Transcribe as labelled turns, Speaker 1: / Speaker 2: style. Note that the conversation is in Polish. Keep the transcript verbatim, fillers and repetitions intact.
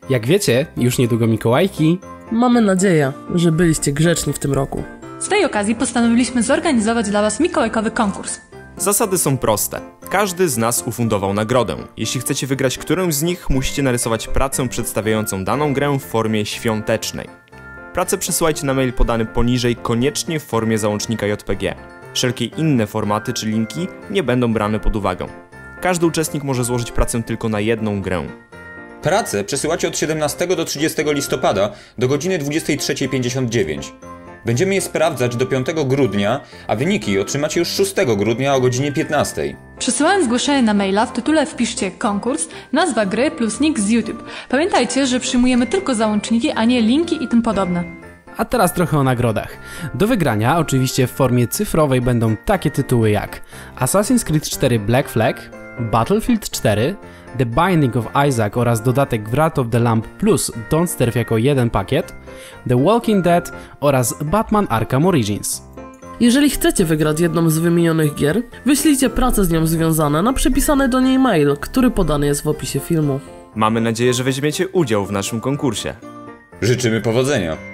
Speaker 1: Jak wiecie, już niedługo Mikołajki.
Speaker 2: Mamy nadzieję, że byliście grzeczni w tym roku.
Speaker 3: Z tej okazji postanowiliśmy zorganizować dla Was mikołajkowy konkurs.
Speaker 4: Zasady są proste. Każdy z nas ufundował nagrodę. Jeśli chcecie wygrać którąś z nich, musicie narysować pracę przedstawiającą daną grę w formie świątecznej. Pracę przesyłajcie na mail podany poniżej, koniecznie w formie załącznika J P G. Wszelkie inne formaty czy linki nie będą brane pod uwagę. Każdy uczestnik może złożyć pracę tylko na jedną grę.
Speaker 5: Pracę przesyłacie od siedemnastego do trzydziestego listopada do godziny dwudziestej trzeciej pięćdziesiąt dziewięć. Będziemy je sprawdzać do piątego grudnia, a wyniki otrzymacie już szóstego grudnia o godzinie piętnastej.
Speaker 3: Przesyłając zgłoszenie na maila, w tytule wpiszcie konkurs, nazwa gry plus nick z YouTube. Pamiętajcie, że przyjmujemy tylko załączniki, a nie linki i tym podobne.
Speaker 1: A teraz trochę o nagrodach. Do wygrania, oczywiście w formie cyfrowej, będą takie tytuły jak Assassin's Creed cztery Black Flag, Battlefield cztery, The Binding of Isaac oraz dodatek Wrath of the Lamb plus Don't Starve jako jeden pakiet, The Walking Dead oraz Batman Arkham Origins.
Speaker 2: Jeżeli chcecie wygrać jedną z wymienionych gier, wyślijcie prace z nią związane na przypisany do niej mail, który podany jest w opisie filmu.
Speaker 4: Mamy nadzieję, że weźmiecie udział w naszym konkursie.
Speaker 5: Życzymy powodzenia!